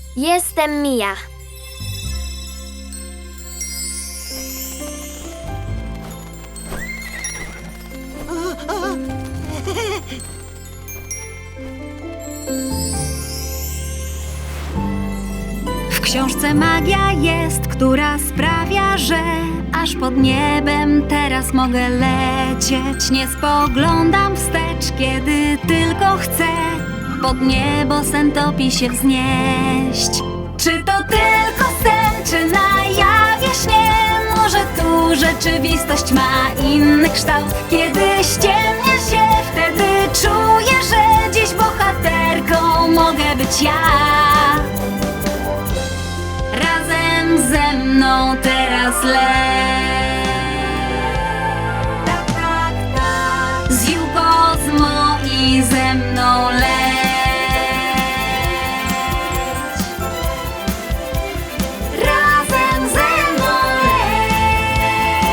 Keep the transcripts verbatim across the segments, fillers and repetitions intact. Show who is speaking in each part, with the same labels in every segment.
Speaker 1: Jestem Mia.
Speaker 2: W książce magia jest, która sprawia, że aż pod niebem teraz mogę lecieć. Nie spoglądam wstecz, kiedy tylko chcę pod niebo sen topi się wznieść. Czy to tylko sen, czy na jawie śnie? Może tu rzeczywistość ma inny kształt? Kiedy ściemnia się, wtedy czuję, że dziś bohaterką mogę być ja. Razem ze mną teraz leć. Tak, tak, tak. Z Jukozmo i ze mną leć. Razem ze mną leć.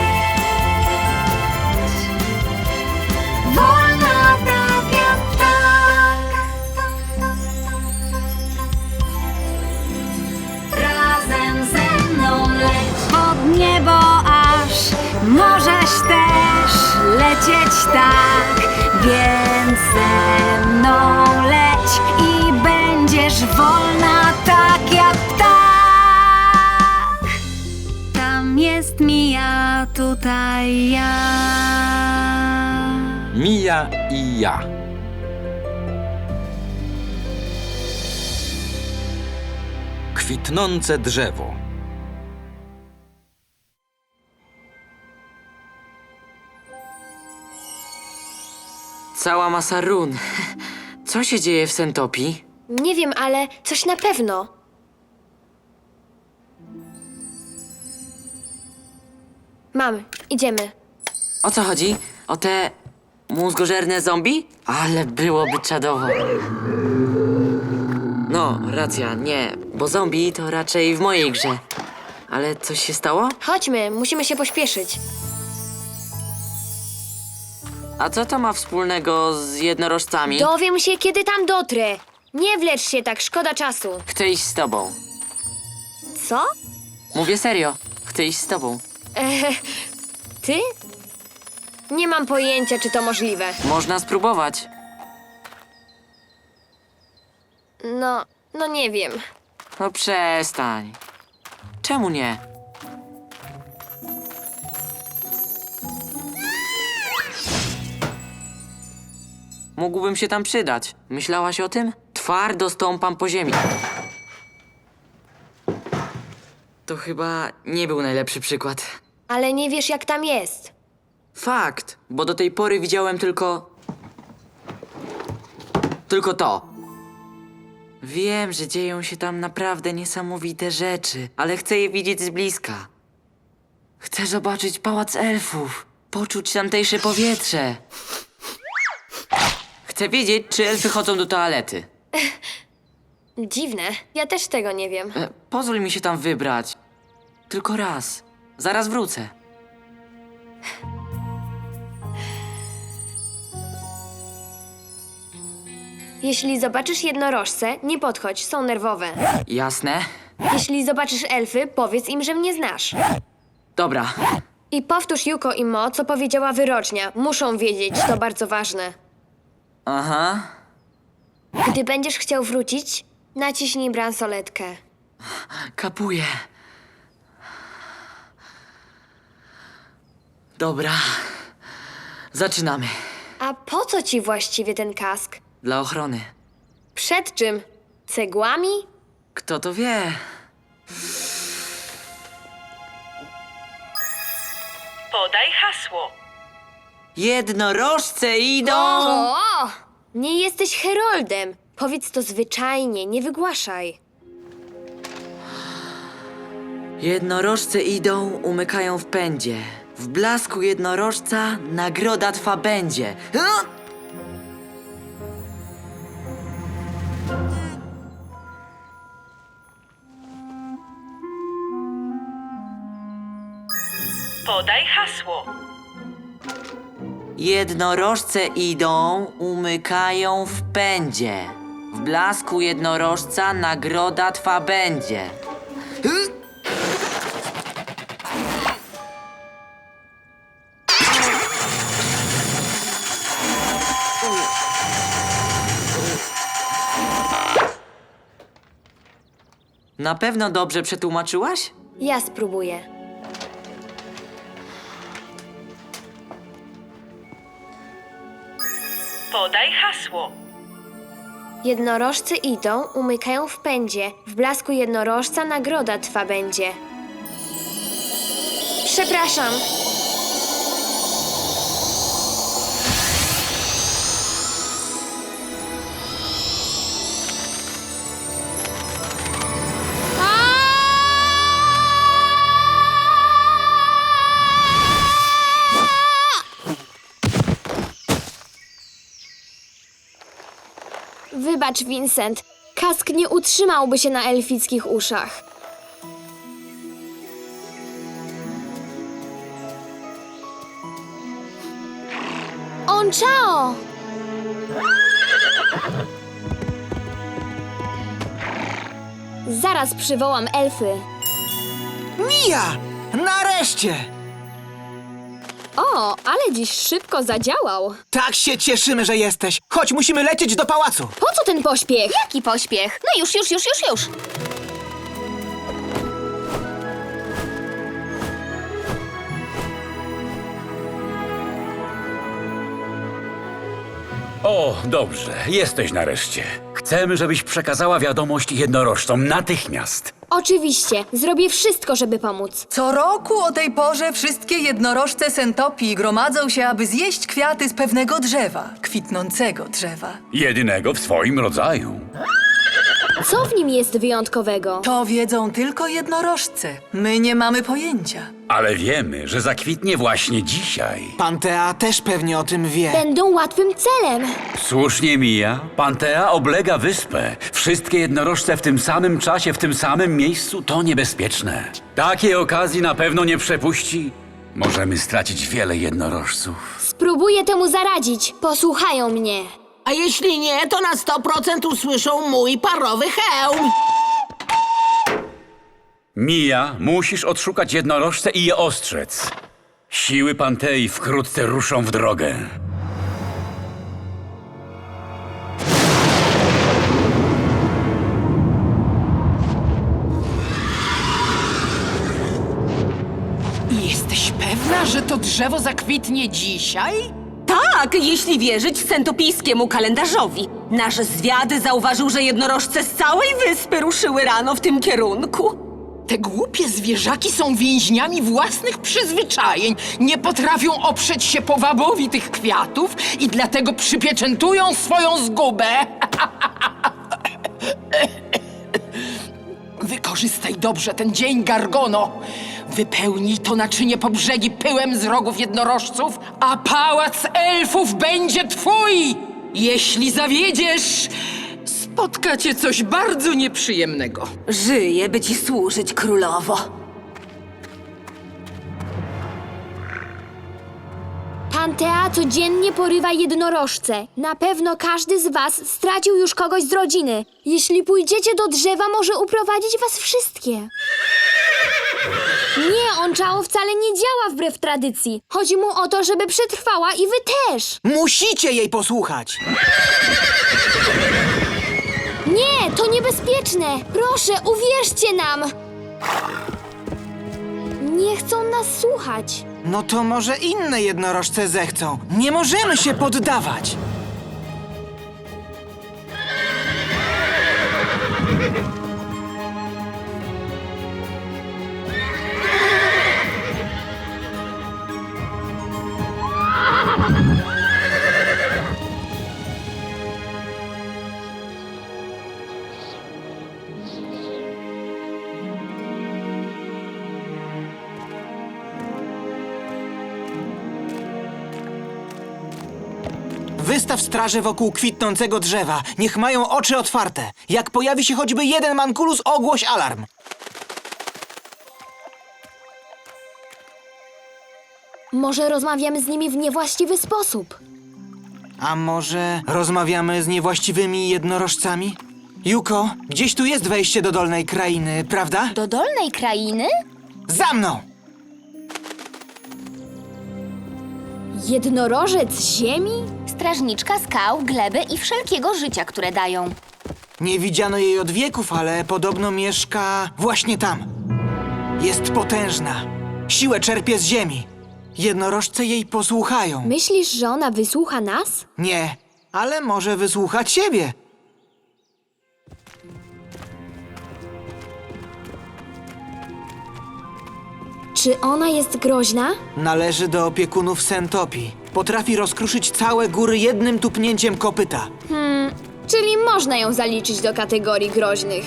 Speaker 2: Wolna tak jak tak. Razem ze mną leć pod niebo aż możesz też lecieć tak, więc ze mną leć i będziesz wolna tak jak ptak. Tam jest Mia, tutaj ja.
Speaker 3: Mia i ja. Kwitnące drzewo.
Speaker 4: Cała masa run. Co się dzieje w Sentopii?
Speaker 1: Nie wiem, ale coś na pewno. Mam, idziemy.
Speaker 4: O co chodzi? O te mózgożerne zombie? Ale byłoby czadowo. No, racja, nie, bo zombie to raczej w mojej grze. Ale coś się stało?
Speaker 1: Chodźmy, musimy się pośpieszyć.
Speaker 4: A co to ma wspólnego z jednorożcami?
Speaker 1: Dowiem się, kiedy tam dotrę. Nie wlecz się tak, szkoda czasu.
Speaker 4: Chcę iść z tobą.
Speaker 1: Co?
Speaker 4: Mówię serio, chcę iść z tobą.
Speaker 1: Eee, ty? Nie mam pojęcia, czy to możliwe.
Speaker 4: Można spróbować.
Speaker 1: No, no nie wiem.
Speaker 4: No przestań. Czemu nie? Mógłbym się tam przydać. Myślałaś o tym? Twardo stąpam po ziemi. To chyba nie był najlepszy przykład.
Speaker 1: Ale nie wiesz, jak tam jest.
Speaker 4: Fakt, bo do tej pory widziałem tylko... Tylko to. Wiem, że dzieją się tam naprawdę niesamowite rzeczy, ale chcę je widzieć z bliska. Chcę zobaczyć pałac elfów, poczuć tamtejsze powietrze. Chcę wiedzieć, czy elfy chodzą do toalety.
Speaker 1: Dziwne. Ja też tego nie wiem.
Speaker 4: E, pozwól mi się tam wybrać. Tylko raz. Zaraz wrócę.
Speaker 1: Jeśli zobaczysz jednorożce, nie podchodź, są nerwowe.
Speaker 4: Jasne?
Speaker 1: Jeśli zobaczysz elfy, powiedz im, że mnie znasz.
Speaker 4: Dobra.
Speaker 1: I powtórz Yuko i Mo, co powiedziała wyrocznia. Muszą wiedzieć, to bardzo ważne.
Speaker 4: Aha.
Speaker 1: Gdy będziesz chciał wrócić, naciśnij bransoletkę.
Speaker 4: Kapuję. Dobra. Zaczynamy.
Speaker 1: A po co ci właściwie ten kask?
Speaker 4: Dla ochrony.
Speaker 1: Przed czym? Cegłami?
Speaker 4: Kto to wie?
Speaker 5: Podaj hasło.
Speaker 4: Jednorożce idą!
Speaker 1: O! Nie jesteś heroldem. Powiedz to zwyczajnie, nie wygłaszaj.
Speaker 4: Jednorożce idą, umykają w pędzie. W blasku jednorożca nagroda twa będzie. Ha!
Speaker 5: Podaj hasło.
Speaker 4: Jednorożce idą, umykają w pędzie. W blasku jednorożca nagroda twa będzie. Na pewno dobrze przetłumaczyłaś?
Speaker 1: Ja spróbuję.
Speaker 5: Podaj hasło.
Speaker 1: Jednorożcy idą, umykają w pędzie. W blasku jednorożca nagroda twa będzie. Przepraszam. Wybacz, Vincent. Kask nie utrzymałby się na elfickich uszach. On Chao! Zaraz przywołam elfy.
Speaker 6: Mija! Nareszcie!
Speaker 1: O, ale dziś szybko zadziałał.
Speaker 6: Tak się cieszymy, że jesteś. Chodź, musimy lecieć do pałacu.
Speaker 1: Po co ten pośpiech?
Speaker 7: Jaki pośpiech? No już, już, już, już, już.
Speaker 3: O, dobrze, jesteś nareszcie. Chcemy, żebyś przekazała wiadomość jednorożcom natychmiast.
Speaker 1: Oczywiście, zrobię wszystko, żeby pomóc.
Speaker 8: Co roku o tej porze wszystkie jednorożce Sentopii gromadzą się, aby zjeść kwiaty z pewnego drzewa, kwitnącego drzewa.
Speaker 3: Jedynego w swoim rodzaju.
Speaker 1: Co w nim jest wyjątkowego?
Speaker 8: To wiedzą tylko jednorożce. My nie mamy pojęcia.
Speaker 3: Ale wiemy, że zakwitnie właśnie dzisiaj.
Speaker 6: Pantea też pewnie o tym wie.
Speaker 1: Będą łatwym celem.
Speaker 3: Słusznie mija. Pantea oblega wyspę. Wszystkie jednorożce w tym samym czasie, w tym samym miejscu to niebezpieczne. Takiej okazji na pewno nie przepuści. Możemy stracić wiele jednorożców.
Speaker 1: Spróbuję temu zaradzić. Posłuchają mnie.
Speaker 9: A jeśli nie, to na sto procent usłyszą mój parowy hełm.
Speaker 3: Mija, musisz odszukać jednorożce i je ostrzec. Siły Pantei wkrótce ruszą w drogę.
Speaker 9: Jesteś pewna, że to drzewo zakwitnie dzisiaj?
Speaker 7: Tak, jeśli wierzyć sentopijskiemu kalendarzowi. Nasz zwiad zauważył, że jednorożce z całej wyspy ruszyły rano w tym kierunku.
Speaker 9: Te głupie zwierzaki są więźniami własnych przyzwyczajeń. Nie potrafią oprzeć się powabowi tych kwiatów i dlatego przypieczętują swoją zgubę. Wykorzystaj dobrze ten dzień, Gargono. Wypełnij to naczynie po brzegi pyłem z rogów jednorożców, a pałac elfów będzie twój! Jeśli zawiedziesz, spotka cię coś bardzo nieprzyjemnego.
Speaker 7: Żyję, by ci służyć, królowo.
Speaker 1: Pantea codziennie porywa jednorożce. Na pewno każdy z was stracił już kogoś z rodziny. Jeśli pójdziecie do drzewa, może uprowadzić was wszystkie. Nie, on Chao wcale nie działa wbrew tradycji. Chodzi mu o to, żeby przetrwała i wy też.
Speaker 6: Musicie jej posłuchać.
Speaker 1: Nie, to niebezpieczne. Proszę, uwierzcie nam. Nie chcą nas słuchać.
Speaker 6: No to może inne jednorożce zechcą. Nie możemy się poddawać. Wystaw straże wokół kwitnącego drzewa. Niech mają oczy otwarte. Jak pojawi się choćby jeden mankulus, ogłoś alarm.
Speaker 1: Może rozmawiamy z nimi w niewłaściwy sposób.
Speaker 6: A może rozmawiamy z niewłaściwymi jednorożcami? Juko, gdzieś tu jest wejście do Dolnej Krainy, prawda?
Speaker 1: Do Dolnej Krainy?
Speaker 6: Za mną!
Speaker 1: Jednorożec ziemi? Strażniczka skał, gleby i wszelkiego życia, które dają.
Speaker 6: Nie widziano jej od wieków, ale podobno mieszka właśnie tam. Jest potężna. Siłę czerpie z ziemi. Jednorożce jej posłuchają.
Speaker 1: Myślisz, że ona wysłucha nas?
Speaker 6: Nie, ale może wysłuchać siebie.
Speaker 1: Czy ona jest groźna?
Speaker 6: Należy do opiekunów Sentopii. Potrafi rozkruszyć całe góry jednym tupnięciem kopyta.
Speaker 1: Czyli można ją zaliczyć do kategorii groźnych.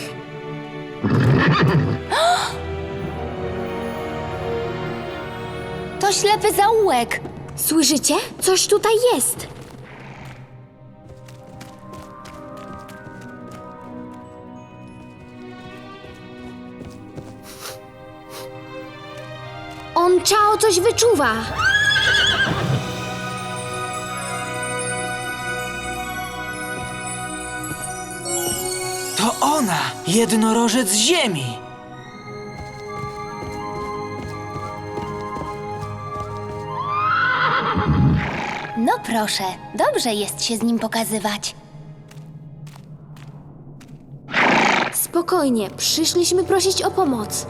Speaker 1: To ślepy zaułek. Słyszycie? Coś tutaj jest. On Chao coś wyczuwa.
Speaker 6: To ona! Jednorożec ziemi!
Speaker 1: No proszę, dobrze jest się z nim pokazywać. Spokojnie, przyszliśmy prosić o pomoc.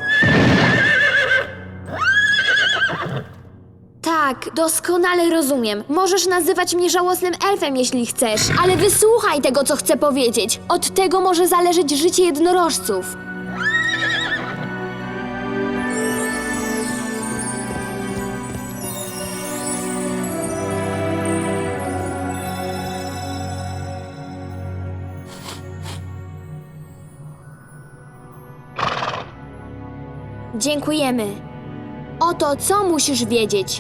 Speaker 1: Tak, doskonale rozumiem. Możesz nazywać mnie żałosnym elfem, jeśli chcesz, ale wysłuchaj tego, co chcę powiedzieć. Od tego może zależeć życie jednorożców. Dziękujemy. Oto co musisz wiedzieć.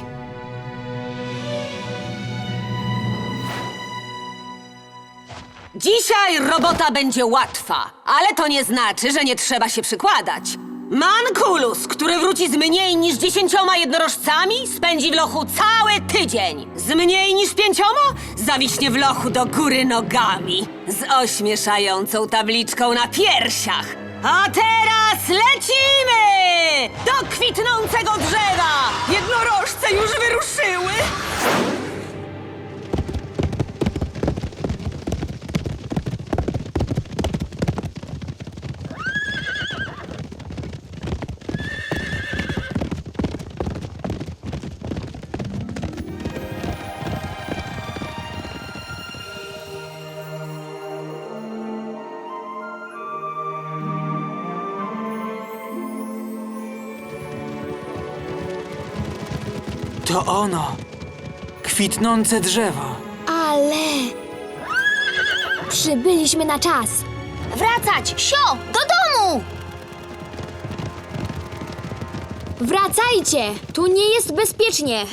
Speaker 7: Dzisiaj robota będzie łatwa, ale to nie znaczy, że nie trzeba się przykładać. Mankulus, który wróci z mniej niż dziesięcioma jednorożcami, spędzi w lochu cały tydzień. Z mniej niż pięcioma zawiśnie w lochu do góry nogami. Z ośmieszającą tabliczką na piersiach. A teraz lecimy! Do kwitnącego drzewa! Jednorożce już wyruszyły!
Speaker 6: To ono! Kwitnące drzewo.
Speaker 1: Ale... Przybyliśmy na czas. Wracać! Sio! Do domu! Wracajcie! Tu nie jest bezpiecznie.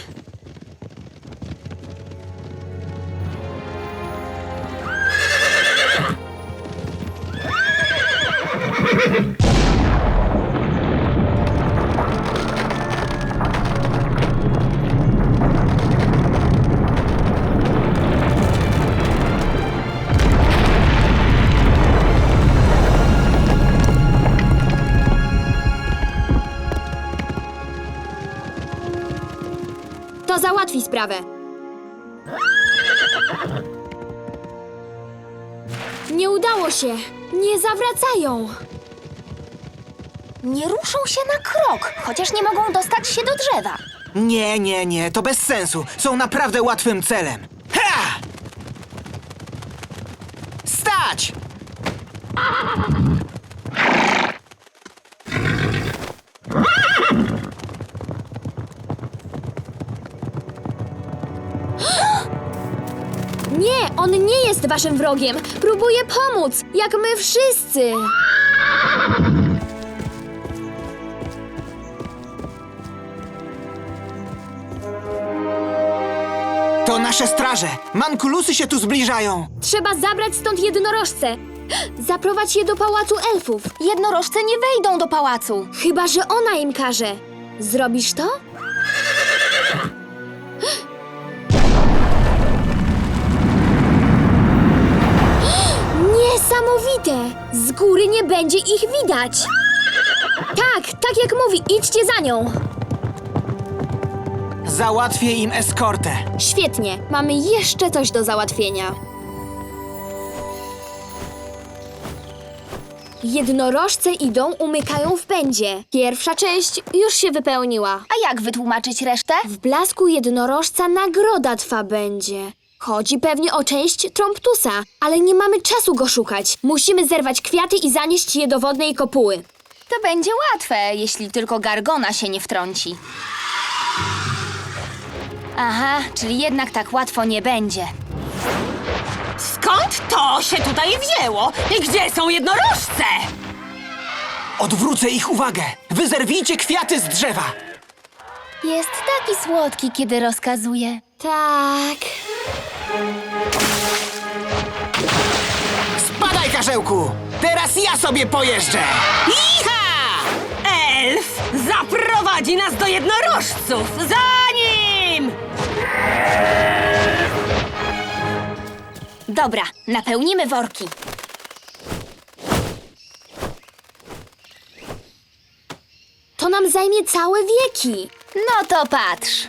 Speaker 1: To załatwi sprawę. Nie udało się. Nie zawracają.
Speaker 10: Nie ruszą się na krok, chociaż nie mogą dostać się do drzewa.
Speaker 6: Nie, nie, nie, to bez sensu. Są naprawdę łatwym celem. Ha! Stać!
Speaker 1: Nie, on nie jest waszym wrogiem. Próbuje pomóc, jak my wszyscy.
Speaker 6: To nasze straże. Mankulusy się tu zbliżają.
Speaker 1: Trzeba zabrać stąd jednorożce. Zaprowadź je do pałacu elfów.
Speaker 10: Jednorożce nie wejdą do pałacu.
Speaker 1: Chyba że ona im każe. Zrobisz to? niesamowite! Z góry nie będzie ich widać! Tak, tak jak mówi, idźcie za nią!
Speaker 6: Załatwię im eskortę.
Speaker 1: Świetnie, mamy jeszcze coś do załatwienia. Jednorożce idą, umykają w pędzie. Pierwsza część już się wypełniła.
Speaker 10: A jak wytłumaczyć resztę?
Speaker 1: W blasku jednorożca nagroda twa będzie. Chodzi pewnie o część Tromptusa, ale nie mamy czasu go szukać. Musimy zerwać kwiaty i zanieść je do wodnej kopuły.
Speaker 10: To będzie łatwe, jeśli tylko Gargona się nie wtrąci. Aha, czyli jednak tak łatwo nie będzie.
Speaker 7: Skąd to się tutaj wzięło? I gdzie są jednorożce?
Speaker 6: Odwrócę ich uwagę. Wy zerwijcie kwiaty z drzewa.
Speaker 10: Jest taki słodki, kiedy rozkazuje.
Speaker 1: Tak.
Speaker 6: Spadaj, karzełku! Teraz ja sobie pojeżdżę!
Speaker 7: Iha! Elf zaprowadzi nas do jednorożców! Za nim!
Speaker 10: Dobra, napełnimy worki.
Speaker 1: To nam zajmie całe wieki.
Speaker 10: No to patrz.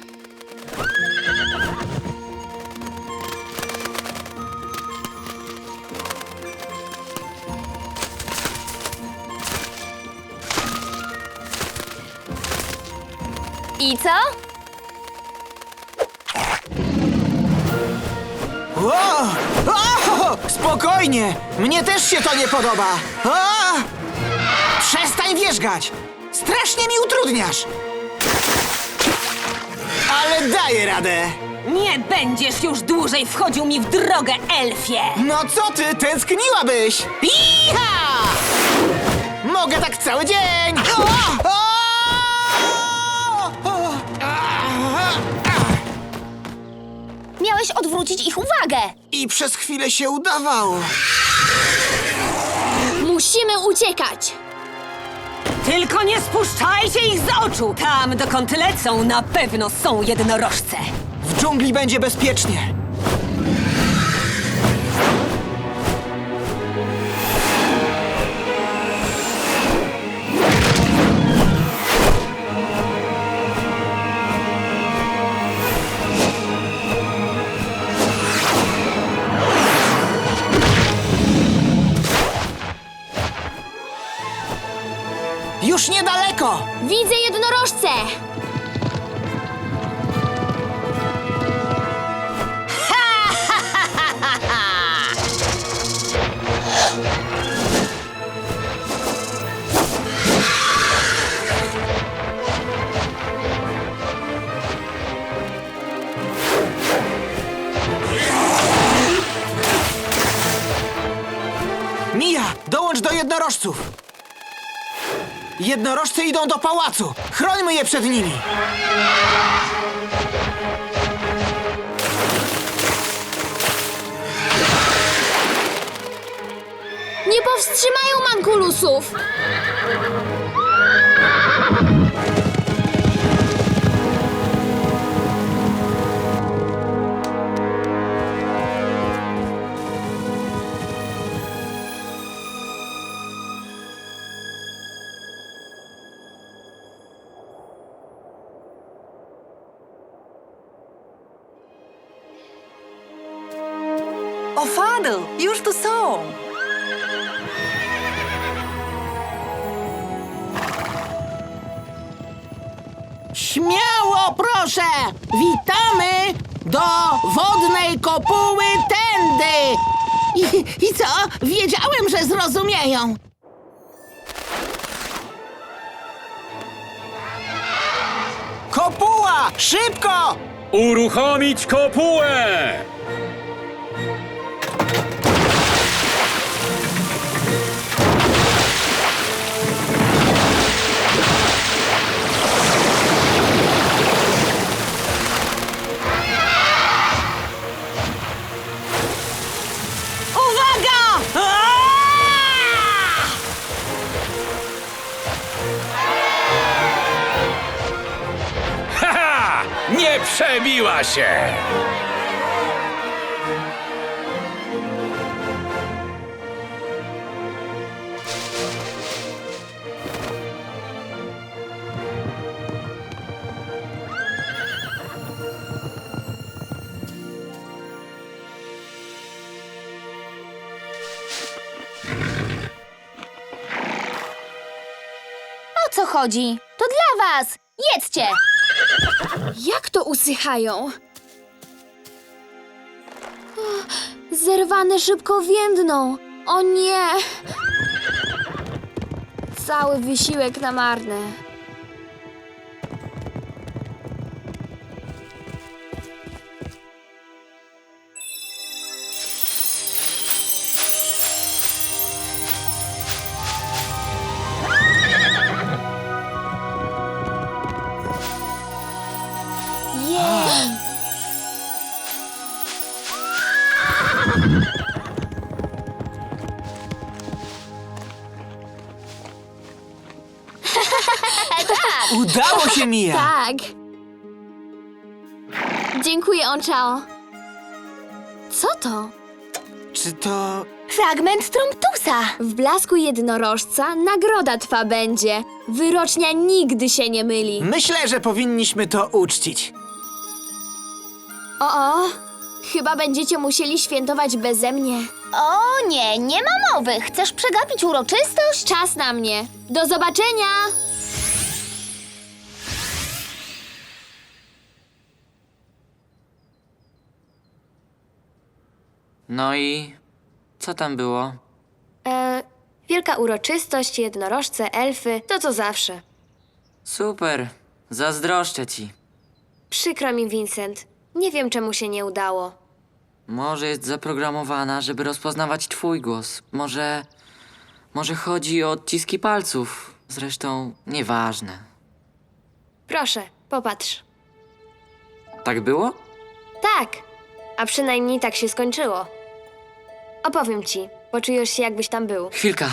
Speaker 10: I co?
Speaker 6: O! O! Spokojnie! Mnie też się to nie podoba! O! Przestań wierzgać! Strasznie mi utrudniasz! Ale daję radę!
Speaker 7: Nie będziesz już dłużej wchodził mi w drogę, elfie!
Speaker 6: No co ty, tęskniłabyś?
Speaker 7: Iha!
Speaker 6: Mogę tak cały dzień! O! O! O!
Speaker 10: Miałeś odwrócić ich uwagę.
Speaker 6: I przez chwilę się udawało.
Speaker 1: Musimy uciekać.
Speaker 7: Tylko nie spuszczajcie ich z oczu! Tam, dokąd lecą, na pewno są jednorożce!
Speaker 6: W dżungli będzie bezpiecznie. Już niedaleko!
Speaker 1: Widzę jednorożce.
Speaker 6: Mija, dołącz do jednorożców! Jednorożce idą do pałacu! Chrońmy je przed nimi!
Speaker 1: Nie powstrzymają mankulusów.
Speaker 8: O, Fadl, już tu są!
Speaker 11: Śmiało proszę! Witamy do wodnej kopuły tędy! I, I co? Wiedziałem, że zrozumieją.
Speaker 6: Kopuła! Szybko!
Speaker 3: Uruchomić kopułę!
Speaker 7: Uwaga! Aaaa!
Speaker 3: Haha! Nie przebiła się!
Speaker 10: co chodzi. To dla was. Jedzcie.
Speaker 1: Jak to usychają? O, zerwane szybko więdną. O nie! Cały wysiłek na marne. Jej!
Speaker 6: Udało się, Mia!
Speaker 1: Tak. Dziękuję, Onchao. Co to?
Speaker 6: Czy to...
Speaker 10: Fragment Tromptusa.
Speaker 1: W blasku jednorożca nagroda twa będzie. Wyrocznia nigdy się nie myli.
Speaker 6: Myślę, że powinniśmy to uczcić.
Speaker 1: O, o, chyba będziecie musieli świętować beze mnie.
Speaker 10: O nie, nie ma mowy. Chcesz przegapić uroczystość?
Speaker 1: Czas na mnie. Do zobaczenia!
Speaker 4: No i co tam było?
Speaker 1: E, wielka uroczystość, jednorożce, elfy, to co zawsze.
Speaker 4: Super, zazdroszczę ci.
Speaker 1: Przykro mi, Vincent. Nie wiem, czemu się nie udało.
Speaker 4: Może jest zaprogramowana, żeby rozpoznawać twój głos. Może... Może chodzi o odciski palców. Zresztą nieważne.
Speaker 1: Proszę, popatrz.
Speaker 4: Tak było?
Speaker 1: Tak, a przynajmniej tak się skończyło. Opowiem ci, poczujesz się, jakbyś tam był.
Speaker 4: Chwilka.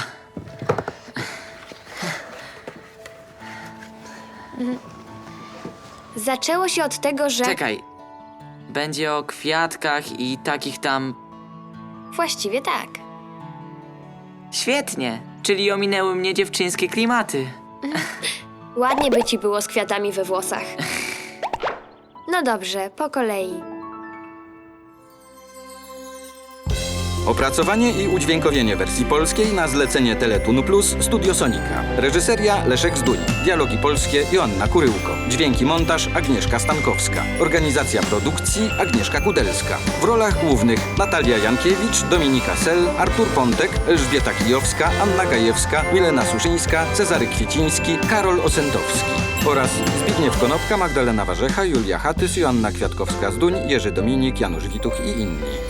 Speaker 1: Zaczęło się od tego, że...
Speaker 4: Czekaj. Będzie o kwiatkach i takich tam...
Speaker 1: Właściwie tak.
Speaker 4: Świetnie, czyli ominęły mnie dziewczyńskie klimaty.
Speaker 1: Ładnie by ci było z kwiatami we włosach. No dobrze, po kolei.
Speaker 12: Opracowanie i udźwiękowienie wersji polskiej na zlecenie Teletunu Plus Studio Sonika. Reżyseria Leszek Zduń. Dialogi polskie Joanna Kuryłko. Dźwięki montaż Agnieszka Stankowska. Organizacja produkcji Agnieszka Kudelska. W rolach głównych Natalia Jankiewicz, Dominika Sel, Artur Pontek, Elżbieta Kijowska, Anna Gajewska, Milena Suszyńska, Cezary Kwieciński, Karol Osentowski. Oraz Zbigniew Konopka, Magdalena Warzecha, Julia Hatys, Joanna Kwiatkowska-Zduń, Jerzy Dominik, Janusz Wituch i inni.